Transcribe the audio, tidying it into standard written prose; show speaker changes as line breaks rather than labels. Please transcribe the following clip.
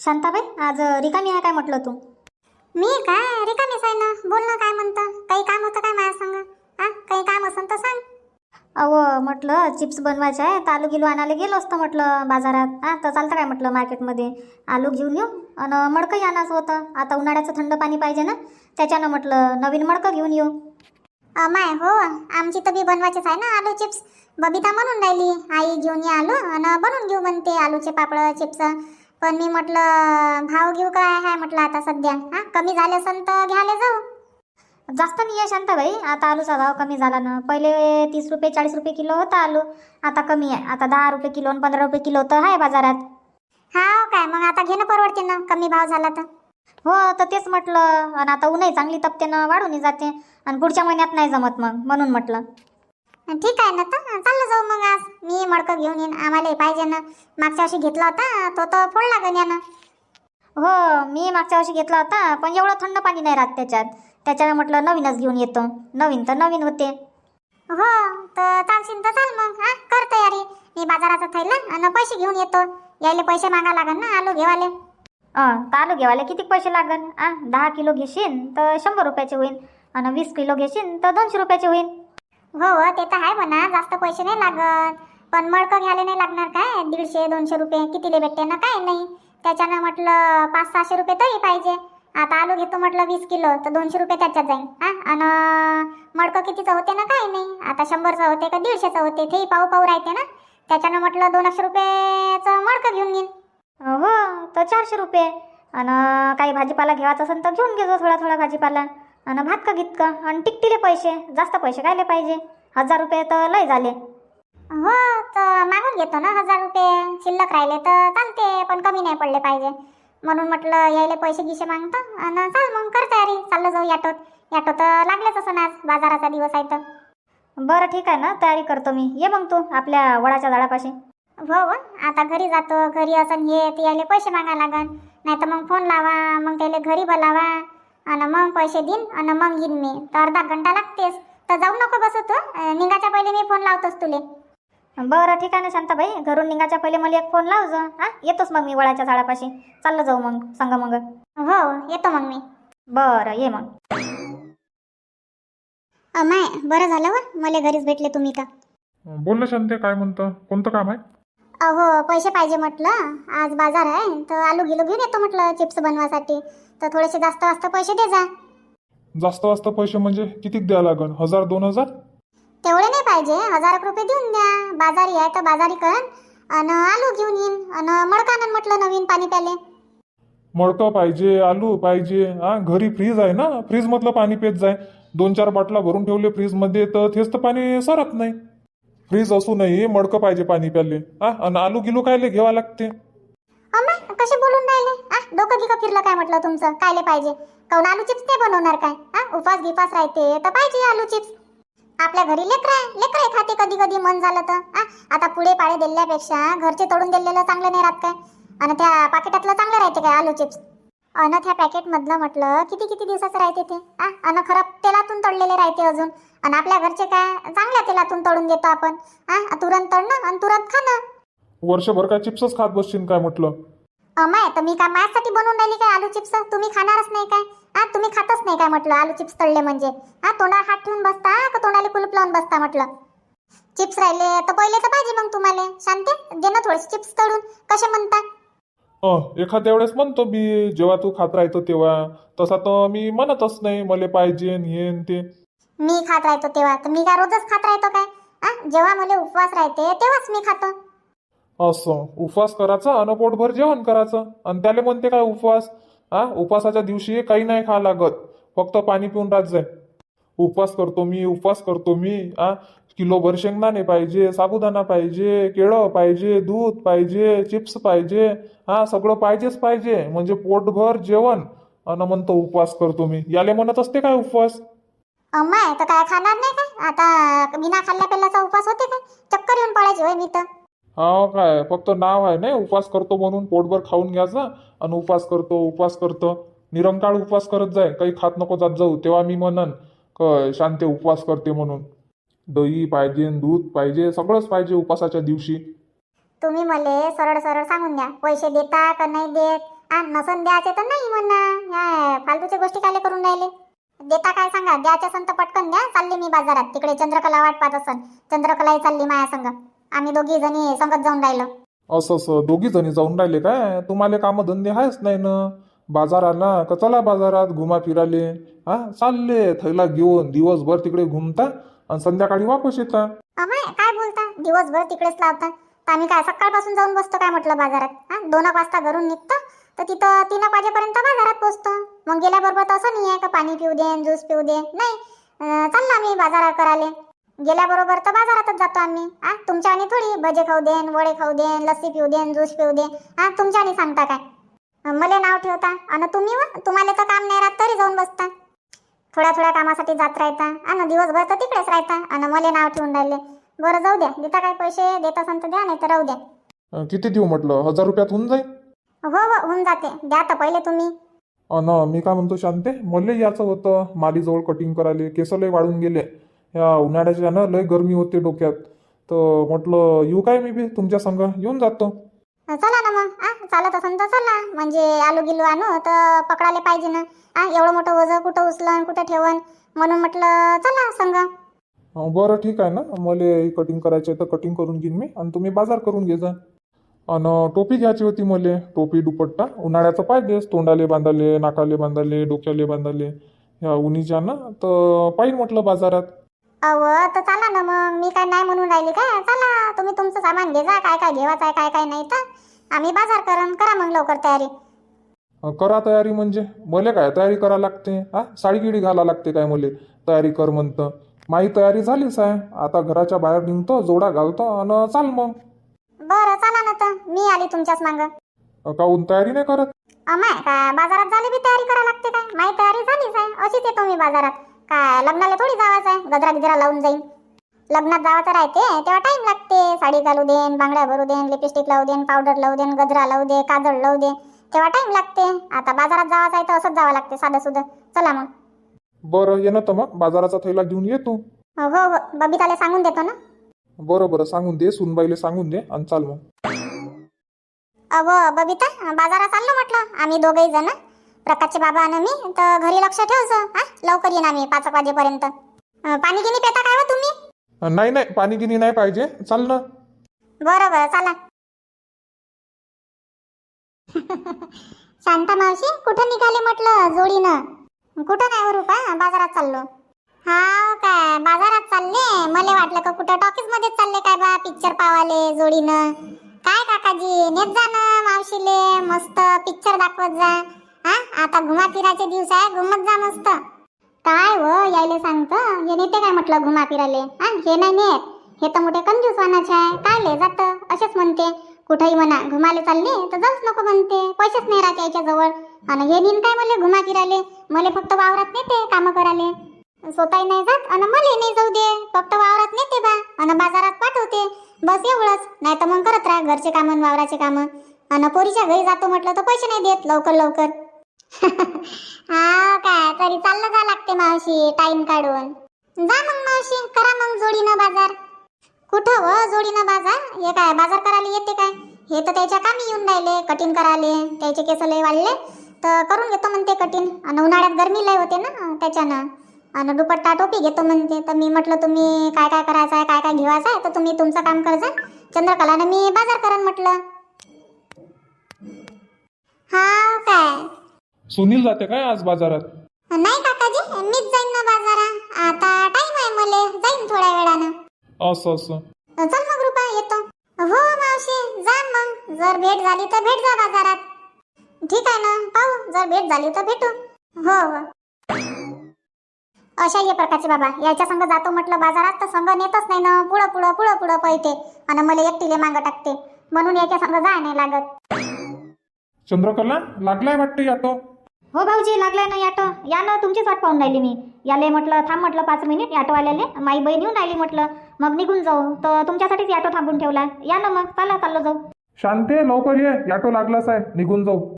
शांताबाई, आज रिकामी आहे काय म्हटलं तू?
मी काय रिकामीच आहे ना. बोल ना, काय म्हणतं? काही काम होतं काय माझ्या संग? काही काम असेल तर सांग.
अहो म्हटलं चिप्स बनवायचे आहे तर आलू गिलू आणायला गेलो असतं म्हटलं बाजारात. तर चालतं काय म्हटलं मार्केटमध्ये आलू घेऊन येऊ आणि मडकंही आणायचं होतं. आता उन्हाळ्याचं थंड पाणी पाहिजे ना, त्याच्यानं म्हटलं नवीन मडकं घेऊन येऊ.
माय हो, आमची तर बी बनवायचीच आहे ना आलू चिप्स. बबिता म्हणून राहिली आई घेऊन ये आलू आणि बनवून घेऊ म्हणते आलूचे पापड चिप्स. पण मी म्हटलं भाव घेऊ काय आहे म्हटलं आता सध्या. कमी झाले असेल तर घ्यायला जाऊ.
जास्त नाही आहे शांताबाई, आता आलूचा भाव कमी झाला ना. पहिले 30 रुपये 40 रुपये किलो होता आलू, आता कमी आहे. आता 10 रुपये किलो आणि 15 रुपये किलो तर आहे बाजारात.
हा काय, मग आता घेणं परवडते ना कमी भाव झाला तर.
हो तर तेच म्हटलं. आणि आता उन्हाही चांगली तपते ना, वाढून जाते आणि पुढच्या महिन्यात नाही जमत मग, म्हणून म्हटलं.
ठीक आहे ना, तर चाललं जाऊ मग. आज मी मडकं घेऊन येईन, आम्हाला पाहिजे ना. मागच्या वर्षी घेतला होता तो तर फोडला गण्यानं.
हो, मी मागच्या वर्षी घेतला होता पण एवढं थंड पाणी नाही राहत त्याच्यानं म्हटलं नवीनच घेऊन येतो. नवीन तर नवीन होते.
हो तर चालशील तर चाल मग. कर तयारी. मी बाजाराचा थैला आणि पैसे घेऊन येतो. यायले पैसे मागा लागन ना आलू घेवाले.
तर आलू घेवाले किती पैसे लागन? 10 किलो घेशील तर 100 रुपयाचे होईल आणि 20 किलो घेशील तर 200 रुपयाचे होईल.
हो ते तर आहे म्हणा, जास्त पैसे नाही लागत. पण मडकं घ्यायला नाही लागणार काय, 150-200 रुपये कितीले भेटते ना, काय नाही. त्याच्यानं म्हटलं 500-600 रुपये तरी पाहिजे. आता आलू घेतो म्हटलं 20 किलो तर 200 रुपये त्याच्यात जाईल. आणि मडकं कितीचं होते ना, काय नाही. आता 100चं होते का 150चं होते ते पाहू पाहू राहते ना. त्याच्यानं म्हटलं 200 रुपयाचं मडकं घेऊन येईन.
हो तर 400 रुपये. आणि काही भाजीपाला घ्यायचा असेल तर घेऊन घेतो थोडा थोडा भाजीपाला. आणि भात का गीत का आणि टिकटीले पैसे, जास्त पैसे कायले पाहिजे. 1000 रुपये तर लय झाले.
हो तर मागून घेतो ना 1000 रुपये. शिल्लक राहिले तर चालते पण कमी नाही पडले पाहिजे. म्हणून म्हटलं यायले पैसे गिसे मागतो. आणि चाल मग कर तयारी, चाललं जाऊ याटोत. याटो तर लागलेच असं आज, बाजाराचा दिवस आहे तर.
बरं ठीक आहे ना, तयारी करतो मी. ये मग तू आपल्या वडाच्या झाडापाशी.
हो आता घरी जातो. घरी असं हे ते यायले पैसे मागा लागन. नाही तर मग फोन लावा, मग त्याला घरी बोलावा आणि मग पैसे देईन आणि मग येईन मी. तर अर्धा घंटा लागतेस. तर जाऊ नको बसू तू. निघाच्या पहिले मी फोन लावतोस तुले.
बरं ठीक आहे ना शांताबाई, घरून निघायच्या पहिले मला एक फोन लाव जा. येतोच मग मी वडाच्या झाडापाशी. चाललं जाऊ मग संग मग.
हो येतो मग मी.
बरं ये मग.
माय बरं झालं व मला घरीच भेटले तुम्ही तर.
बोल ना शांते, काय म्हणतं? कोणतं काम आहे?
अहो पैसे पाहिजे म्हटलं. आज बाजार आहे तर आलू गिलू घेऊन येतो म्हटलं चिप्स बनवासाठी. तर थोडेसे जास्त वास्त पैसे दे जा.
जास्त वाजता पैसे म्हणजे किती द्या लागन? 1000-2000?
तेवढे नाही पाहिजे, 1000 रुपये देऊन द्या. बाजारी आहे तर बाजारी कर आणि आलू घेऊन येईन आणि मडकानं म्हटलं नवीन पाणी प्याले.
मडकं पाहिजे, आलू पाहिजे. घरी फ्रीज आहे ना, फ्रीज मधलं पाणी पेत जाय. 2-4 बाटला भरून ठेवले फ्रीज मध्ये तर तेच तर पाणी सरत नाही. फ्रीज असूनही मडकं पाहिजे पाणी प्याले. आणि आलू गिलू कायले घ्यावा लागते?
अम्मा कसे बोलून राहिले? डोकं गिकं फिरलं काय म्हटलं तुमचं? कायले पाहिजे? काऊन आलू चिप्स नाही बनवणार काय? उपास गिपास राहते तर पाहिजे आलू चिप्स. आपल्या घरी लेकरं खाते कधी कधी मन झालं तर. आता पुढे पाळे दिल्यापेक्षा घरचे तोडून दिलेलं चांगलं नाही राहत काय? आणि त्या पाकिटातलं चांगलं राहते काय आलू चिप्स? आणि त्या पॅकेटमधलं म्हटलं किती किती दिवसाचं राहते ते. आणि खराब तेलातून तळलेले राहते अजून. आणि आपल्या घरचे काय चांगल्या तेलातून तळून देतो आपण. तुरंत तळणं आणि तुरंत खाणं.
वर्षभर काय चिप्सच खात बसशील काय म्हटलं?
अमाय तर मी काय माझ्यासाठी बनवून राहिली काय आलू चिप्स? तुम्ही खाणारच नाही काय? तुम्ही खातच नाही काय म्हटलं आलू चिप्स तळले म्हणजे? तोंडावर हात ठेवून बसता का तोंडाला कुलूप लावून बसता म्हटलं? चिप्स राहिले तर पहिले तर पाहिजे मग तुम्हाला. शांते दे ना थोडेसे चिप्स तळून. कसे म्हणता?
एखाद्या वेळेस म्हणतो मी, जेव्हा तू खात राहतो तेव्हा. तसा तर मी म्हणतच नाही मला पाहिजे हे ते.
मी खात राहतो तेव्हा तर मी काय रोजच खात राहतो काय? जेव्हा मला उपवास राहते तेव्हाच मी खातो.
असं उपवास करायचा आणि पोटभर जेवण करायचं आणि त्याला म्हणते काय उपवास? उपवासाच्या दिवशी काही नाही खा लागत, फक्त पाणी पिऊन राहत जाय. उपवास करतो मी, उपवास करतो मी. किलोभर शेंगदाणे पाहिजे, साबुदाणा पाहिजे, केळं पाहिजे, दूध पाहिजे, चिप्स पाहिजे. सगळं पाहिजेच पाहिजे म्हणजे पोटभर जेवण. आणि म्हणतो उपवास करतो मी. याले म्हणत असते काय उपवास?
अम्माय तर काय खाणार नाही काय? आता बिना खाल्ल्या पेल्याचा उपवास होते काय? चक्कर येऊन पडायची होय मी तर.
काय फक्त नाव आहे नाही उपवास करतो म्हणून. पोटभर खाऊन घ्यायचं आणि उपवास करतो उपवास करतो. निरंकाळ उपवास करत जाय, काही खात नको जात जाऊ. तेव्हा मी म्हणन शांती उपवास करते म्हणून. दही पाहिजे, दूध पाहिजे, सगळंच पाहिजे उपवासाच्या दिवशी.
तुम्ही मला सरळ सरळ सांगून द्या पैसे देता का नाही देत. नसन द्यायचे तर नाही म्हणा. ह्या फालतूच्या गोष्टी काय करून राहिले. देता काय सांगा. द्यायच्या संत पटकन द्या. चालले मी बाजारात. तिकडे चंद्रकला वाट पाहत असन. चंद्रकलाही चालली माया संग. आम्ही दोघी जणी संगत जाऊन राहिलो.
असं दोघी जणी जाऊन राहिले काय? तुम्हाला कामधंदे आहेच नाही ना. बाजार आला का चला बाजारात घुमा फिराले. चालले थैला घेऊन दिवसभर तिकडे घुमता आणि संध्याकाळी वापस येता.
अमाय काय बोलता. दिवसभर तिकडेच लावता. तर आम्ही काय सकाळपासून जाऊन बसतो काय म्हटलं बाजारात. 2 वाजता घरून निघतो तर तिथं 3 वाजेपर्यंत बाजारात पोहोचतो. मग गेल्याबरोबर तर असं नाही आहे का पाणी पिऊ दे ज्यूस पिऊ दे. नाही, चाललो आम्ही बाजारात करायला. गेल्याबरोबर तर बाजारातच जातो आम्ही. तुमच्या आणि थोडी भजे खाऊ देन, वडे खाऊ देन, लस्सी पिऊ देन, ज्यूस पिऊ दे. तुमच्या आणि सांगता काय. मला नाव ठेवता आणि तुम्हाला तर काम नाही राहत तरी जाऊन बसता. थोड्या कामासाठी जात राहता आणि दिवसभर तर तिकडेच राहता आणि मला नाव ठेवून राहिले. बरं जाऊ द्या. देता काय पैसे देत असाल तर द्या, नाही तर राहू द्या.
किती देऊ म्हटलं? 1000 रुपयात होऊन जाईल?
हो होऊन जाते. द्या तर पहिले तुम्ही.
मी काय म्हणतो शांते, मला याचं होतं मालीजवळ कटिंग करायला. केस लय वाढून गेले या उन्हाळ्याच्या ना. लय गरमी होते डोक्यात. तर म्हटलं येऊ काय मी बी तुमच्या संग. येऊन जातो.
चला ना मग. चालत असन तर चला. म्हणजे आलू गिलू आणू तर पकडायला पाहिजे ना. एवढं मोठं वजन कुठं उचलन कुठं ठेवन. म्हणून म्हटलं चला संग.
बरं ठीक आहे ना. मला कटिंग करायची आहे तर कटिंग करून घेईन मी आणि तुम्ही बाजार करून घे जा. आणि टोपी घ्यायची होती मला. टोपी दुपट्टा उन्हाळ्याचं पाहिजेच. तोंडाले बांधाले, नाकाले बांधाले, डोक्याले बांधाले ह्या उन्हीच्या ना. तर पाहिजे म्हटलं बाजारात.
तर चला ना मग. मी काय नाही म्हणून राहिली काय. चला तुम्ही तुमचं सामान घे जा. काय काय घेवायचं आहे काय काय नाही तर आम्ही बाजार करा मग लवकर तयारी.
करा तयारी म्हणजे मले काय तयारी करा लागते. साडी गिडी घाला लागते काय मले तयारी कर म्हणतं. माझी तयारी झालीच आहे. आता घराच्या बाहेर निघतो, जोडा घालतो आणि चाल मग.
बरं चला ना. तर मी आली तुमच्याच मांग.
काहून तयारी नाही करत?
अमाय काय बाजारात झाली बी तयारी करा लागते काय. माझी तयारी झालीच आहे. अशीच येतो मी बाजारात. काय लग्नाला थोडी जावायचं आहे. गजरा गिजरा लावून जाईन. लग्नात जावायचं राहते तेव्हा टाइम लागते. साडी घालू देन, बांगड्या भरू देन, लिपस्टिक लावू देन, पावडर लावू देन, गजरा लावू दे, काजळ लावू दे. तेव्हा टाइम लागते. आता बाजारात जावायचं आहे तर असंच जावं लागते साधं सुधं. चला मग.
बरं ये ना तर मग. बाजाराचा थैला घेऊन ये तू.
हो बबिताला सांगून देतो ना.
बरं सांगून दे. सुनबाईला सांगून दे आणि चाल मग.
बबिता बाजारात चाललो म्हटलं आम्ही दोघेही जण. प्रकाशचे बाबा आणि मी. तर घरी लक्ष ठेवचं. लवकर येईन आम्ही 5 वाजेपर्यंत. पाणी गिनी पेता काय हो तुम्ही?
नाही पाणी गिनी नाही पाहिजे. चाल ना.
बरं चला. शांता मावशी कुठं निघाले म्हटलं जोडीनं? कुठं नाही हो रुपा. बाजारात चाललो. काय बाजारात चालले? मला वाटलं का कुठं टॉकीज मध्ये चालले काय बा पिक्चर पावाले जोडीनं. काय काकाजी नेत जा ना मावशीले. मस्त पिक्चर दाखवत जा. आता घुमा फिराचे दिवस आहे. घुमत जा मस्त. काय व यायले सांगतं. हे नेते काय म्हटलं घुमा फिराले. हे नाही नेत. हे तर मोठे कंजूस वानाचे आहे. काय ले जात असेच म्हणते. कुठेही म्हणा घुमाले चालले तर जाऊच नको म्हणते. पैसेच नाही राहते याच्याजवळ. आणि हे नीन काय मला घुमा फिराले. मला फक्त वावरात नेते काम कराले. स्वतःही नाही जात आणि मला नाही जाऊ दे. फक्त वावरात नेते बा आणि बाजारात पाठवते. बस एवढंच. नाही तर मग करत राहा घरचे कामं वावराचे कामं. आणि पोरीच्या घरी जातो म्हटलं तर पैसे नाही देत लवकर. काय तरी चाललं जा लागते मावशी टाइम काढून. जा मग मावशी करा मग जोडीनं बाजार. कुठं व जोडीनं बाजार? हे काय बाजार करायला येते काय? हे तर त्याच्या कामी येऊन राहिले कटिंग करायले. त्याचे केस लय वाढले तर करून घेतो म्हणते कटिंग. आणि उन्हाळ्यात गरमी लय होते ना त्याच्यानं. आणि दुपट्टा टोपी घेतो म्हणते. तर मी म्हटलं तुम्ही काय काय करायचं आहे काय काय घेवायचं आहे तर तुम्ही तुमचं काम करजा. चंद्रकलानं मी बाजार करण म्हटलं. काय
सुनील जाते काय आज बाजारात?
नाही काकाजी मीच जाईन ना बाजारात. आता टाइम आहे मला. जाईन थोड्या वेळानं.
असं
चल मग रुपा येतो. हो मावशी जा मग. जर भेट झाली तर भेट जा बाजारात. ठीक आहे ना पाहू. जर भेट झाली तर भेटू. हो अशा हे प्रकारचे बाबा याच्या संग जातो म्हटलं बाजारात तर संग नेतच नाही ना. पुढं पळते आणि मला एकटीले मागं टाकते. म्हणून याच्या संग जाय नाही लागत.
चंद्रकला लागलाय वाटते ऑटो.
हो भाऊजी लागलाय ना ऑटो. या ना तुमचीच वाट पाहून राहिली मी. याले म्हटलं थांब म्हटलं 5 मिनिट ऑटोवाल्याले. माई बहीण येऊन राहिली म्हटलं मग निघून जाऊ. तर तुमच्यासाठीच ऑटो थांबून ठेवला. या ना मग चाललो जाऊ.
शांते लवकर ये. ऑटो लागलाच आहे. निघून जाऊ.